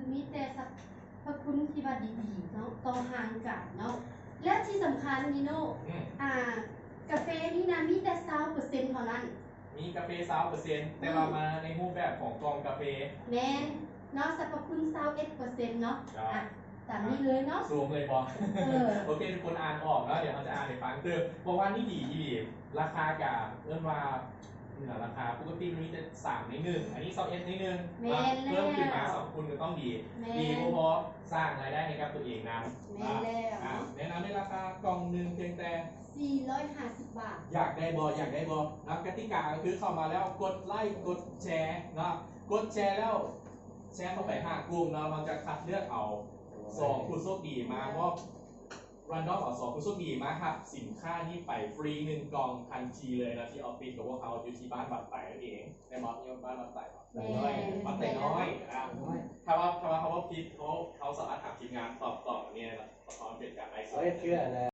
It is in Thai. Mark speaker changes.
Speaker 1: มีแต่สรรพคุณที่ว่าดีๆเนาะต่อห่างกันเนาะและที่สำคัญนี่โน่กาแฟนี่นะมีแต่20%เท่านั้น
Speaker 2: มีกาแฟ20%แต่ว่ามาในรูปแบบของกล่องกาแฟ
Speaker 1: แม่นเนาะสรรพคุณ21%เนาะตามนี้เลยเนาะ
Speaker 2: สูงเลยบอโอเคทุกคนอ่านออกแล้วเดี๋ยวเราจะอ่านให้ฟังคือบอกว่านี่ดีราคากับเริ่มว่าราคาปกติมันมีจะ3 ใน 1อันนี้21 ใน 1เพิ่มขึ้นมา2คุณก็ต้องดีเพราะสร้างรายได้ให้กับตัวเองนะแนะนำในราคากล่องหนึ่งเพียงแต่
Speaker 1: 450 บาท
Speaker 2: อยากได้บแล้วกติกาก็คือเข้ามาแล้วกดไลค์กดแชร์นะกดแชร์แล้วแชร์เข้าไป5 กลุ่มเราจะคัดเลือกเอา2 ผู้โชคดีมาเพราะรันดอมเอา2 ผู้โชคดีมาครับสินค้านี้ไปฟรี1 กล่องทันทีเลยนะที่ออฟฟิศกับพวกเขาอยู่ที่บ้านบัดไต่นั่นเองในมอสที่บ้านบัดไต่น้อยบัดไต่น้อยถ้าว่าเขาว่าพิษเขาสามารถถามทีมงานตอบเนี่ยนะตอนเป็นการไลฟ์สด